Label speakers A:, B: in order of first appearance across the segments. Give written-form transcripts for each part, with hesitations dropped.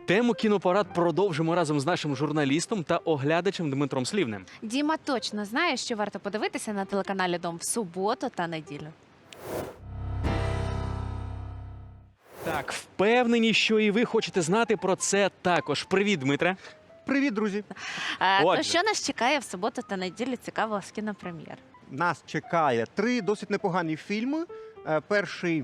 A: Тему «Кінопарад» продовжимо разом з нашим журналістом та оглядачем Дмитром Слівним.
B: Діма точно знає, що варто подивитися на телеканалі «Дом» в суботу та неділю.
A: Так, впевнені, що і ви хочете знати про це також. Привіт, Дмитре.
C: Привіт, друзі!
B: То
A: Отже.
B: що нас чекає в суботу та неділю цікавого з кінопрем'єр?
C: Нас чекає 3 досить непогані фільми. Перший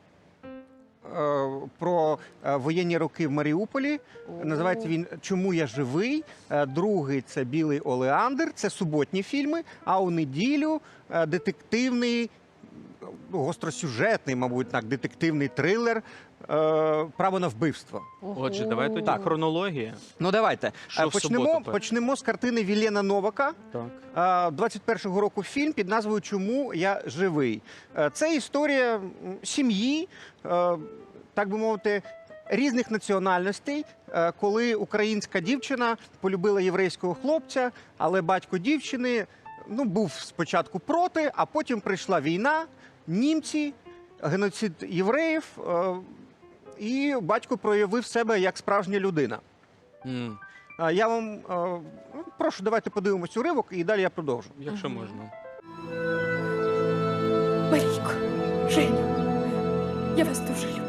C: про воєнні роки в Маріуполі. Називається він «Чому я живий?». Другий – це «Білий олеандр». Це суботні фільми. А у неділю детективний, гостросюжетний, мабуть, так, детективний трилер «Право на вбивство».
A: Отже, давай тоді
C: Так.
A: хронологія.
C: Ну, давайте.
A: Що в суботу перше?
C: Почнемо з картини Вілена Новака.
A: Так.
C: 21-го року фільм під назвою «Чому я живий?». Це історія сім'ї, так би мовити, різних національностей, коли українська дівчина полюбила єврейського хлопця, але батько дівчини був спочатку проти, а потім прийшла війна, німці, геноцид євреїв, і батько проявив себе як справжня людина. Я вам прошу, давайте подивимось уривок, і далі я продовжу.
A: Якщо можна.
D: Марійко, Женю, я вас дуже люблю.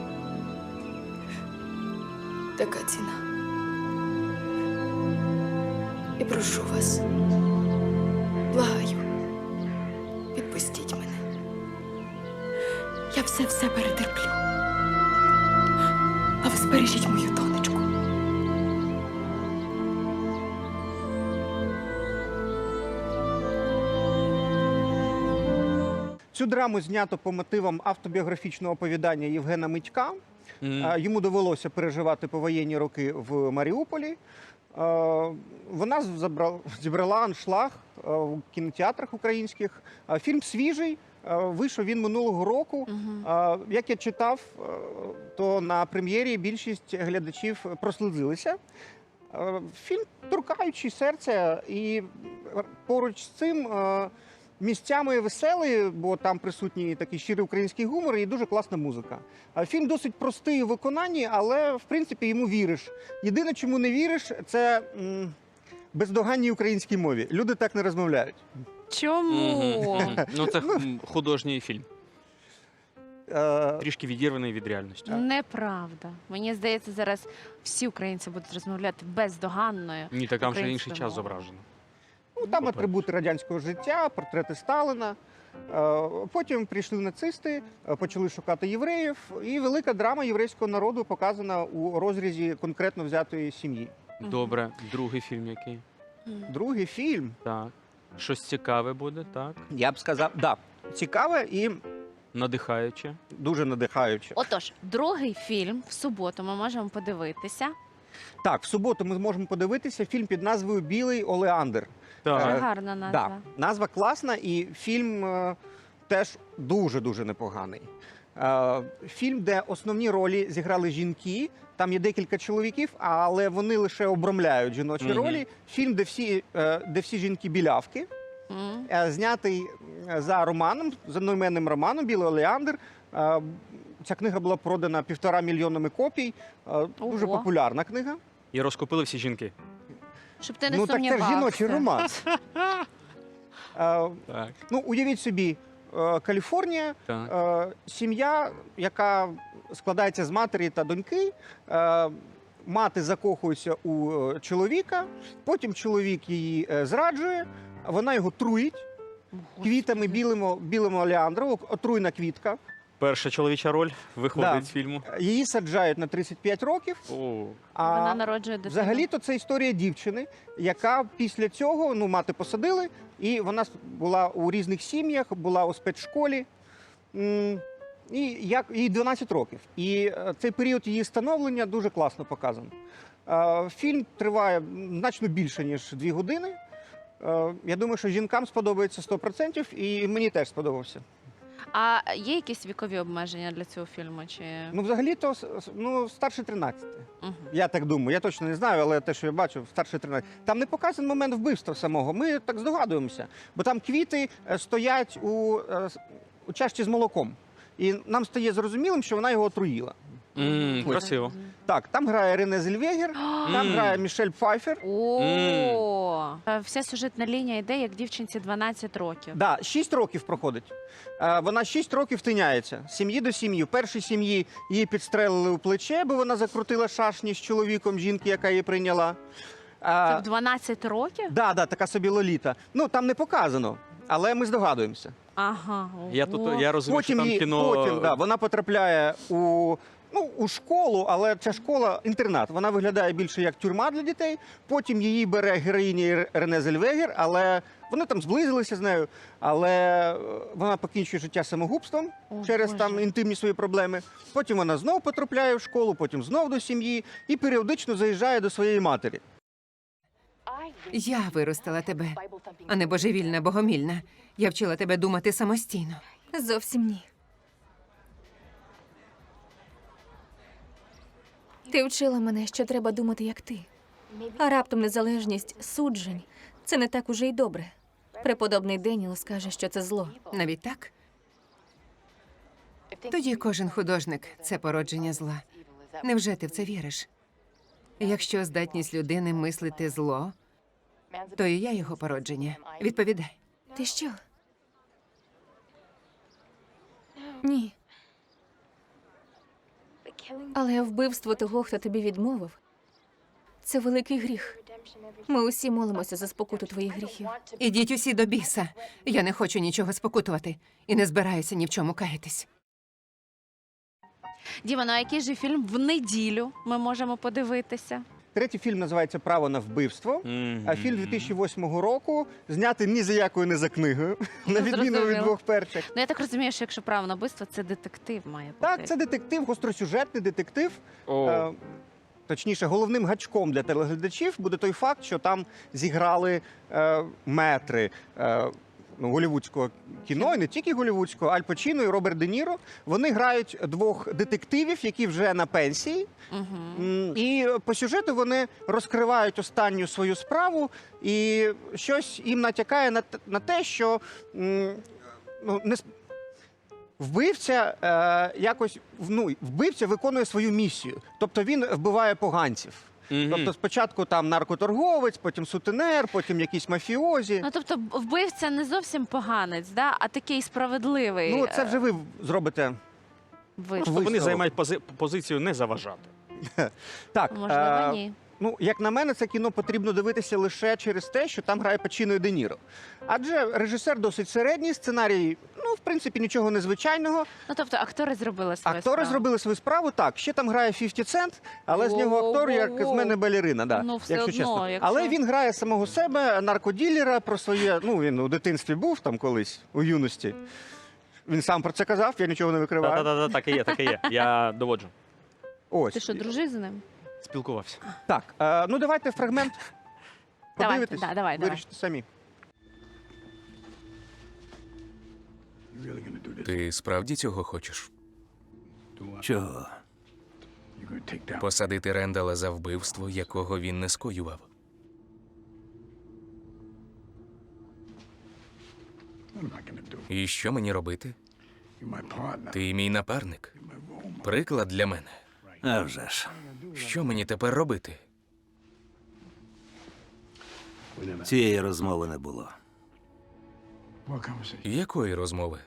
D: Така ціна. І прошу вас, благаю, відпустіть мене. Я все перетерплю. А ви збережіть мою донечку.
C: Цю драму знято по мотивам автобіографічного оповідання Євгена Митька. Йому довелося переживати повоєнні роки в Маріуполі. Вона зібрала аншлаг в кінотеатрах українських. Фільм свіжий, вийшов він минулого року. Як я читав, то на прем'єрі більшість глядачів прослизилися. Фільм торкаючий серця, і поруч з цим місцями веселий, бо там присутній такий щирий український гумор і дуже класна музика. Фільм досить простий у виконанні, але, в принципі, йому віриш. Єдине, чому не віриш, це бездоганній українській мові. Люди так не розмовляють.
B: Чому?
A: Ну, це художній фільм. Трішки відірваний від реальності.
B: Неправда. Мені здається, зараз всі українці будуть розмовляти бездоганною.
A: Ні, так там ще інший
B: українською
A: час
B: мовою.
A: зображено.
C: Там атрибути радянського життя, портрети Сталіна. Потім прийшли нацисти, почали шукати євреїв, і велика драма єврейського народу показана у розрізі конкретно взятої сім'ї.
A: Добре, другий фільм який?
C: Другий фільм,
A: Так. Щось цікаве буде, так?
C: я б сказав, цікаве і
A: Надихаюче.
C: дуже надихаюче.
B: Отож, другий фільм в суботу ми можемо подивитися.
C: Так, в суботу ми зможемо подивитися фільм під назвою «Білий олеандр».
B: Дуже
A: Так.
B: гарна назва.
C: Да, назва класна, і фільм теж дуже-дуже непоганий. Фільм, де основні ролі зіграли жінки, там є декілька чоловіків, але вони лише обрамляють жіночі ролі. Фільм, де всі жінки білявки, знятий за романом, за одноіменним романом «Білий олеандр». Ця книга була продана 1,5 мільйонами копій. Дуже
B: Ого.
C: популярна книга.
A: І розкупили всі жінки.
B: Щоб ти не
C: Так це ж
B: сумнівався.
C: жіночий роман.
A: Так.
C: Уявіть собі, Каліфорнія,
A: Так.
C: сім'я, яка складається з матері та доньки. Мати закохується у чоловіка, потім чоловік її зраджує, вона його труїть квітами білими олеандру, отруйна квітка.
A: Перша чоловіча роль виходить
C: Да.
A: з фільму.
C: Її саджають на 35 років.
A: О,
B: Вона народжує дитину.
C: Взагалі-то це історія дівчини, яка після цього, мати посадили, і вона була у різних сім'ях, була у спецшколі. І їй 12 років. І цей період її становлення дуже класно показано. Фільм триває значно більше, ніж 2 години. Я думаю, що жінкам сподобається 100%, і мені теж сподобався.
B: А є якісь вікові обмеження для цього фільму? Чи...
C: Взагалі-то, старше 13. Я так думаю, я точно не знаю, але те, що я бачив, старше 13. Там не показаний момент вбивства самого, ми так здогадуємося. Бо там квіти стоять у чашці з молоком. І нам стає зрозумілим, що вона його отруїла.
A: Красиво.
C: Так, там грає Рене Зельвегер, там грає Мішель Пфайфер.
B: Вся сюжетна лінія йде, як дівчинці 12 років.
C: Да, 6 років проходить. Вона 6 років тиняється з сім'ї до сім'ї. В першій сім'ї її підстрелили у плече, бо вона закрутила шашні з чоловіком жінки, яка її прийняла.
B: Це в 12 років?
C: Да, така собі Лоліта. Ну, там не показано, але ми здогадуємося.
B: Ага.
A: Я розумію, що там кіно...
C: Потім вона потрапляє у школу, але ця школа інтернат. Вона виглядає більше як тюрма для дітей. Потім її бере героїня Рене Зельвегер, але вони там зблизилися з нею, але вона покінчує життя самогубством через там інтимні свої проблеми. Потім вона знов потрапляє в школу, потім знов до сім'ї і періодично заїжджає до своєї матері.
E: Я виростила тебе, а не божевільна, богомільна. Я вчила тебе думати самостійно.
D: Зовсім ні. Ти вчила мене, що треба думати, як ти. А раптом незалежність суджень – це не так уже й добре. Преподобний Деніел скаже, що це зло.
E: Навіть так? Тоді кожен художник – це породження зла. Невже ти в це віриш? Якщо здатність людини мислити зло, то і я його породження. Відповідай.
D: Ти що? Ні. Але вбивство того, хто тобі відмовив, це великий гріх. Ми усі молимося за спокуту твоїх гріхів.
E: Ідіть усі до біса. Я не хочу нічого спокутувати і не збираюся ні в чому каятись.
B: Діма, ну а який же фільм в неділю ми можемо подивитися?
C: Третій фільм називається «Право на вбивство». А фільм 2008 року, знятий ні за якою, не за книгою, на відміну від
B: Зрозуміло.
C: двох перших.
B: Ну я так розумію, що якщо право на вбивство, це детектив має бути.
C: Так, це детектив, гостросюжетний детектив. Точніше, головним гачком для телеглядачів буде той факт, що там зіграли метри голлівудського кіно, і не тільки голлівудського, Аль Пачіно і Роберт Де Ніро. Вони грають двох детективів, які вже на пенсії. І по сюжету вони розкривають останню свою справу, і щось їм натякає на те, що вбивця вбивця виконує свою місію. Тобто він вбиває поганців. Тобто спочатку там наркоторговець, потім сутенер, потім якісь мафіозі.
B: Ну тобто вбивця не зовсім поганець, да? А такий справедливий.
C: Ну, це вже ви зробите.
B: висновок.
A: Вони займають позицію не заважати.
C: Так,
B: Можливо, ні.
C: ну, як на мене, це кіно потрібно дивитися лише через те, що там грає Пачіно і Де Ніро. Адже режисер досить середній, сценарій, в принципі, нічого незвичайного.
B: Ну тобто актори зробили свою
C: Актори
B: справу.
C: зробили свою справу, так. Ще там грає 50 Cent, але з нього актор, як з мене, балерина, да,
B: Ну, все
C: якщо
B: одно,
C: чесно.
B: якщо-
C: Але він грає самого себе, наркоділера, про своє, він у дитинстві був там колись, у юності. Він сам про це казав, я нічого не викриваю.
A: Так і є. Я доводжу.
C: Ось.
B: Ти що, дружив з ним?
A: Спілкувався.
C: Так, ну давайте фрагмент.
B: Давайте,
C: Подивитесь,
B: давай.
C: вирішите самі.
F: Ти справді цього хочеш?
G: Чого?
F: Посадити Рендала за вбивство, якого він не скоював? І що мені робити? Ти мій напарник. Приклад для мене.
G: А вже ж.
F: Що мені тепер робити?
G: Цієї розмови не було.
F: Якої розмови?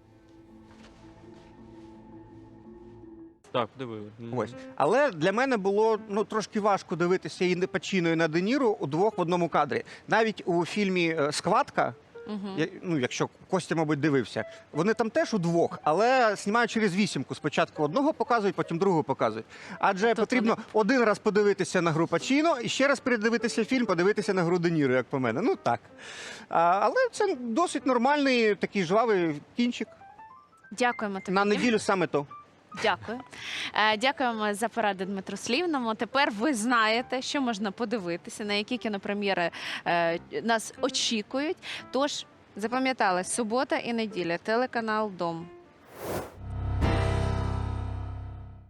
A: Так, диви.
C: Ось. Але для мене було трошки важко дивитися і Пачіно, і на Де Ніро удвох в одному кадрі. Навіть у фільмі «Схватка», якщо Костя, мабуть, дивився, вони там теж удвох, але знімають через вісімку. Спочатку одного показують, потім другого показують. Адже потрібно один раз подивитися на гру Пачіно і ще раз передивитися фільм, подивитися на гру Де Ніро, як по мене. Ну так. Але це досить нормальний такий жвавий кінчик.
B: Дякуємо тобі.
C: На неділю саме то.
B: Дякую. Дякуємо за поради Дмитру Слівному. Тепер ви знаєте, що можна подивитися, на які кінопрем'єри нас очікують. Тож, запам'ятали, субота і неділя, телеканал «Дом».